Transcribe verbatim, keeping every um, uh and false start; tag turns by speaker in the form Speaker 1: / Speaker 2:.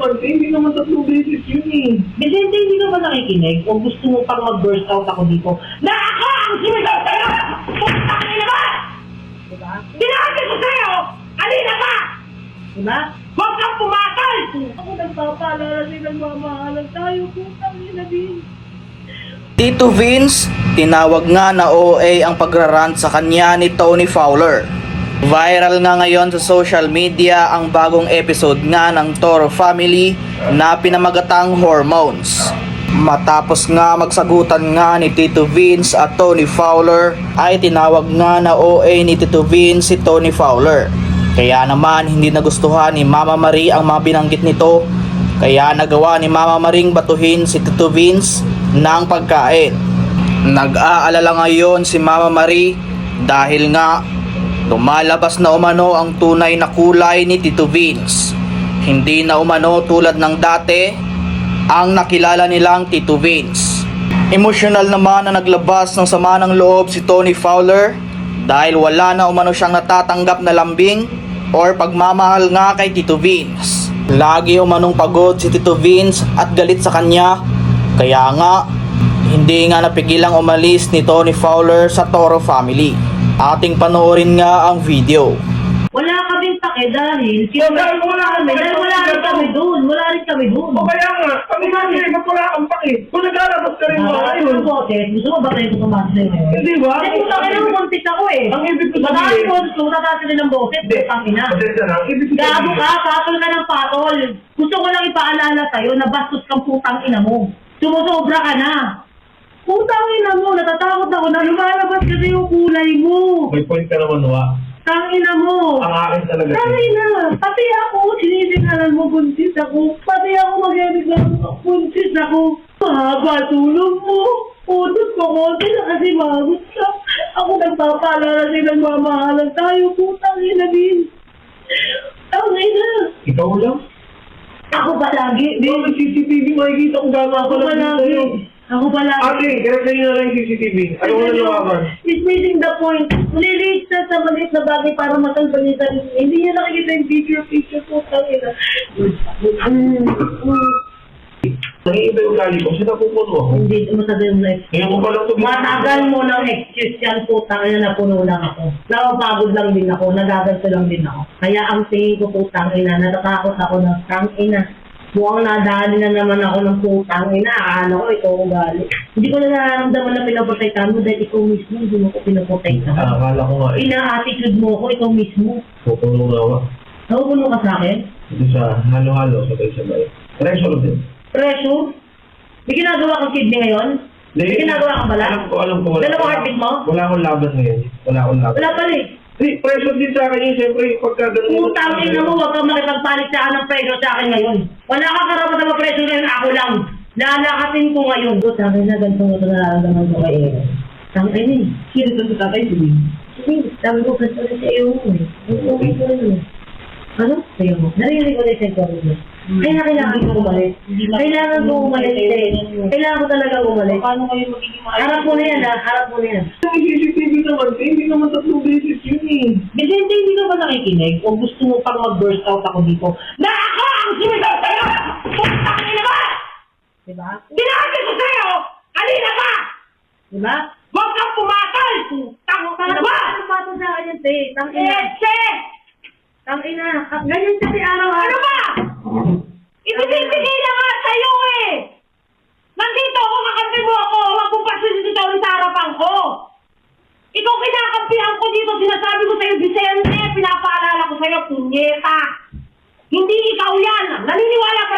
Speaker 1: naman, eh. Hindi naman tatlong beses yun eh.
Speaker 2: Vicente, hindi ka ba nakikinig? O gusto mo pang mag-burst out ako dito? Na ako ang sinigaw sa'yo! Puntang ina ba? Diba? Sinabi ko sa'yo! Alina ka! Diba? Huwag kang pumatay! Ako nagpapaalala silang mamahalan tayo. Puntang ina din.
Speaker 3: Tito Vince, tinawag nga na O A ang pagrarant sa kanya ni Tony Fowler. Viral nga ngayon sa social media ang bagong episode nga ng Toro Family na pinamagatang Hormones. Matapos nga magsagutan nga ni Tito Vince at Tony Fowler ay tinawag nga na O A ni Tito Vince si Tony Fowler. Kaya naman hindi nagustuhan ni Mama Marie ang mga binanggit nito, kaya nagawa ni Mama Maring batuhin si Tito Vince ng pagkain. Nag-aalala ngayon si Mama Marie dahil nga lumalabas na umano ang tunay na kulay ni Tito Vince. Hindi na umano tulad ng dati ang nakilala nilang Tito Vince. Emosyonal naman na naglabas ng sama ng loob si Tony Fowler dahil wala na umano siyang natatanggap na lambing or pagmamahal nga kay Tito Vince. Lagi umanong pagod si Tito Vince at galit sa kanya, kaya nga hindi nga napigilang umalis ni Tony Fowler sa Toro Family. Ating panoorin nga ang video.
Speaker 2: Wala kaming pake dahil
Speaker 1: Oh, dahil wala kami,
Speaker 2: dahil wala rin kami doon. Wala rin kami doon.
Speaker 1: O kaya nga, kami kasi, ba't wala kang paki? Kung naglalabas ka rin ba
Speaker 2: Ay,
Speaker 1: ngayon?
Speaker 2: yung bote, gusto mo ba tayo pumasok sa'yo ngayon?
Speaker 1: Hindi ba?
Speaker 2: Kasi kung sa akin muntik ako eh.
Speaker 1: Ang ibig ko
Speaker 2: Madami
Speaker 1: sabihin-
Speaker 2: ko, gusto mo tatasi ng bote,
Speaker 1: Hindi.
Speaker 2: putang ina.
Speaker 1: Pasensya na, ang ibig ko
Speaker 2: Gago
Speaker 1: sabihin-
Speaker 2: ka, patol ka ng patol. Gusto ko lang ipaalala sa'yo na bastos kang putang ina mo. Sumusobra ka na. Putang ina mo, natatakot ako na lumalabas kasi yung kulay mo.
Speaker 1: May point ka naman, Wa.
Speaker 2: Tang ina mo.
Speaker 1: Ang akin talaga.
Speaker 2: Tang ina. Pati ako, sinisingalan mo, buntis ako. Pati ako mag-reklamo, buntis ako. Mahaba tulong mo. Utot ko konti na kasi magot ka. Ako nagpapaalala silang mamahalan tayo. Putang ina din. Tang ina.
Speaker 1: Ikaw lang?
Speaker 2: Ako palagi.
Speaker 1: Di, may C C T V makikita kung gano'n ako
Speaker 2: Ako
Speaker 1: lang
Speaker 2: palagi.
Speaker 1: sa'yo.
Speaker 2: Ako palagi.
Speaker 1: Ate, kaya sa'yo na lang yung C C T V. Ano mo na lumaban?
Speaker 2: It's missing the point. Nililate siya sa maliit na bagay para matalbalitan. Hindi niya nakikita yung picture, picture po. Tangina. Mm, mm.
Speaker 1: Nangiiba yung gali ko, sinapupuno ako.
Speaker 2: Hindi, masabi yung life.
Speaker 1: Ngayon ko pa lang ito.
Speaker 2: Matagal mo ng excuse yan po. Tangina, napuno lang ako. Napapagod lang din ako. Nagaganto lang din ako. Kaya ang tingin ko po, tangina, natatakot ako ng tangina. Mukhang nadali na naman ako ng putang ina. Akala ko ikaw ang gali. Hindi ko na nararamdaman na pinaprotektahan mo dahil ikaw mismo hindi mo ko pinaprotektahan.
Speaker 1: Ah, akala ko nga eh.
Speaker 2: Ina-attitude mo ko, ikaw mismo.
Speaker 1: Pupuno na ako.
Speaker 2: Nakukulo ka sa akin?
Speaker 1: Ito sa halo-halo, sabay-sabay. Pressure din.
Speaker 2: Pressure? May ginagawa kang kidney ngayon? May ginagawa kang bala?
Speaker 1: Alam ko, alam ko. Wala,
Speaker 2: Dalawang heartbeat mo?
Speaker 1: Wala akong laban ngayon. Wala akong laban.
Speaker 2: Wala pala eh.
Speaker 1: Hindi, pressure din sa akin yun. Siyempre, pagka ganun.
Speaker 2: Putang ina mo, huwag kang makipagpalit sa ng pressure sa akin ngayon. Wala kang karapat na pressure ngayon, ako lang. Lalakasin ko ngayon. Putang ina, ganito mo ito nararamdaman ko kay Aaron. Tang ina eh. Sino ito sa tatay? Sige. Sige, sabi ko kasi ulit sa iyo mo eh. Okay ko rin eh. Ano? Sa'yo mo. Narinig ko na sa ikaw mo. Kaya kailangan ko umalis. Kailangan ko umalis eh. Kailangan ko talaga umalis.
Speaker 4: Paano kayo magiging maayos?
Speaker 2: Harap mo na yan ha, harap mo na yan.
Speaker 1: Yung C C T V naman, eh, hindi naman tatlong beses yun eh.
Speaker 2: Vicente, hindi ka ba nakikinig? O gusto mo pang mag-burst out ako dito? Na ako ang sinigaw sa'yo! Putang ina ba? Diba? Sinabi ko sa'yo! Alina ka! Diba? Huwag kang pumatol! Putang ina ba? Ano pa ito sa akin yun, te? Tang ina. Etse! Tang ina. Ganyan kasi araw-araw. Ano ba? Ibibigay na nga sa'yo eh! Nandito ako, kakampi mo ako! Huwag kong pasilitaw sa harapan ko! Ikaw kinakampihan ko dito, sinasabi ko sa'yo, Vicente, pinapaalala ko sa'yo, punyeta! Hindi ikaw yan! Naniniwala ka